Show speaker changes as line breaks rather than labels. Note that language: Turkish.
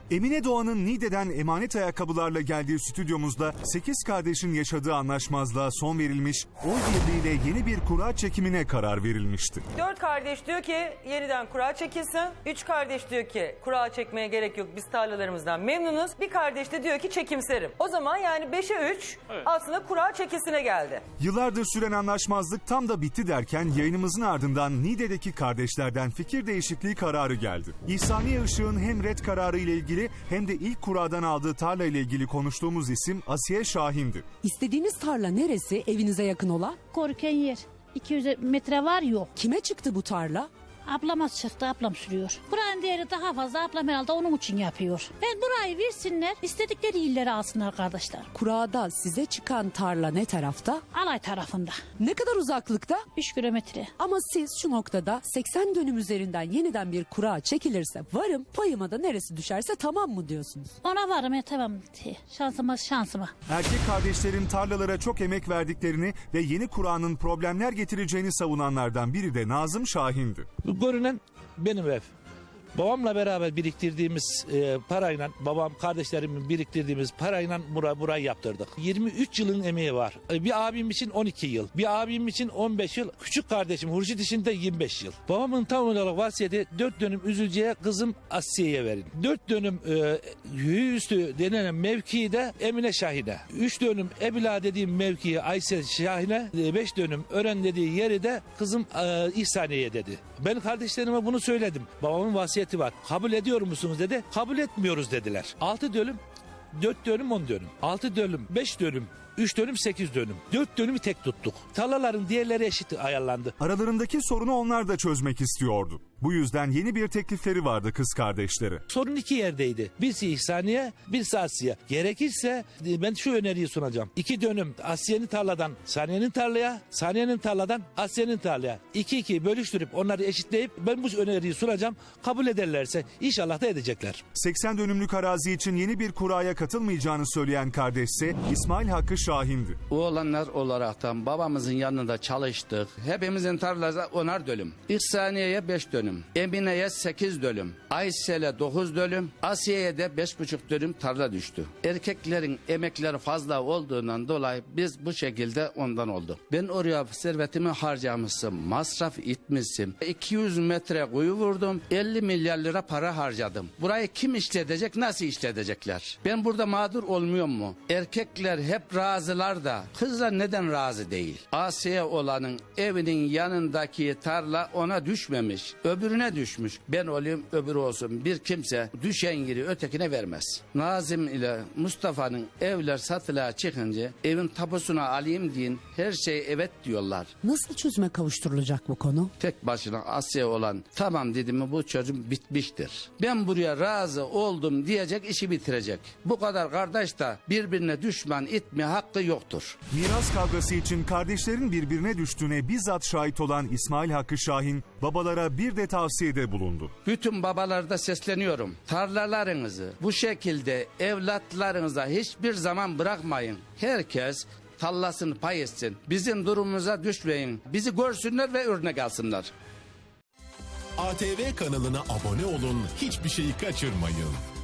Emine Doğan'ın Niğde'den emanet ayakkabılarla geldiği stüdyomuzda 8 kardeşin yaşadığı anlaşmazlığa son verilmiş, oy birliğiyle yeni bir kura çekimine karar verilmişti.
4 kardeş diyor ki yeniden kura çekilsin. 3 kardeş diyor ki kura çekmeye gerek yok, biz tarlalarımızdan memnunuz. Bir kardeş de diyor ki çekimserim. O zaman yani 5'e 3 aslında kura çekilsine geldi.
Yıllardır süren anlaşmazlık tam da bitti derken yayınımızın ardından Niğde'deki kardeşlerden fikir değişikliği kararı geldi. İhsaniye Işık'ın hem red kararı ile ilgili hem de ilk kuradan aldığı tarla ile ilgili konuştuğumuz isim Asiye Şahin'di.
İstediğiniz tarla neresi evinize yakın olan?
Korken yer. 200 metre var yok.
Kime çıktı bu tarla?
Ablama çıktı, ablam sürüyor. Buranın değeri daha fazla, ablam herhalde onun için yapıyor. Ben burayı versinler, istedikleri illeri alsınlar kardeşler.
Kurada size çıkan tarla ne tarafta?
Alay tarafında.
Ne kadar uzaklıkta?
3 kilometre.
Ama siz şu noktada 80 dönüm üzerinden yeniden bir kura çekilirse varım, payıma da neresi düşerse tamam mı diyorsunuz?
Ona varım tamam. Şansıma.
Erkek kardeşlerin tarlalara çok emek verdiklerini ve yeni kuranın problemler getireceğini savunanlardan biri de Nazım Şahin'di.
Bu görünen benim ev. Babamla beraber biriktirdiğimiz parayla, babam kardeşlerimin biriktirdiğimiz parayla burayı yaptırdık. 23 yılın emeği var. Bir abim için 12 yıl, bir abim için 15 yıl, küçük kardeşim Hurşit için de 25 yıl. Babamın tam olarak vasiyeti 4 dönüm Üzülce'ye kızım Asiye'ye verin. 4 dönüm Hüyüstü denilen mevkiyi de Emine Şahin'e. 3 dönüm Ebila dediğim mevkiyi Aysel Şahin'e, 5 dönüm Ören dediği yeri de kızım İhsaniye'ye dedi. Ben kardeşlerime bunu söyledim. Babamın vasiyeti var. Kabul ediyor musunuz dedi. Kabul etmiyoruz dediler. 6 dönüm, 4 dönüm, 10 dönüm. 6 dönüm, 5 dönüm, 3 dönüm, 8 dönüm. 4 dönümü tek tuttuk. Tarlaların diğerleri eşit ayarlandı.
Aralarındaki sorunu onlar da çözmek istiyordu. Bu yüzden yeni bir teklifleri vardı kız kardeşleri.
Sorun 2 yerdeydi. Birisi İhsaniye, birisi Asiye. Gerekirse ben şu öneriyi sunacağım. 2 dönüm Asiye'nin tarladan Saniye'nin tarlaya, Saniye'nin tarladan Asiye'nin tarlaya. 2-2 bölüştürüp onları eşitleyip ben bu öneriyi sunacağım. Kabul ederlerse inşallah da edecekler.
80 dönümlük arazi için yeni bir kuraya katılmayacağını söyleyen kardeşse İsmail Hakkı Şahin'di.
Oğlanlar olaraktan babamızın yanında çalıştık. Hepimizin tarlası 10'ar dönüm. İhsaniye'ye 5 dönüm. Emine'ye 8 dönüm. Aysel'e 9 dönüm. Asiye'ye de 5,5 dönüm tarla düştü. Erkeklerin emekleri fazla olduğundan dolayı biz bu şekilde ondan oldu. Ben oraya servetimi harcamışım. Masraf etmişim. 200 metre kuyu vurdum. 50 milyar lira para harcadım. Burayı kim işletecek, nasıl işletecekler? Ben burada mağdur olmuyor mu? Erkekler hep razılar da kızlar neden razı değil? Asiye olanın evinin yanındaki tarla ona düşmemiş. Öbürüne düşmüş. Ben olayım öbürü olsun. Bir kimse düşen yeri ötekine vermez. Nazım ile Mustafa'nın evler satılığa çıkınca evin tapusunu alayım deyin, her şey evet diyorlar.
Nasıl çözüme kavuşturulacak bu konu?
Tek başına Asya olan tamam dedi mi bu çözüm bitmiştir. Ben buraya razı oldum diyecek, işi bitirecek. Bu kadar kardeş de birbirine düşman etme hakkı yoktur.
Miras kavgası için kardeşlerin birbirine düştüğüne bizzat şahit olan İsmail Hakkı Şahin babalara bir de tavsiyede bulundu.
Bütün babalarda sesleniyorum. Tarlalarınızı bu şekilde evlatlarınıza hiçbir zaman bırakmayın. Herkes tallasını pay etsin. Bizim durumumuza düşmeyin. Bizi görsünler ve örnek alsınlar.
ATV kanalına abone olun, hiçbir şeyi kaçırmayın.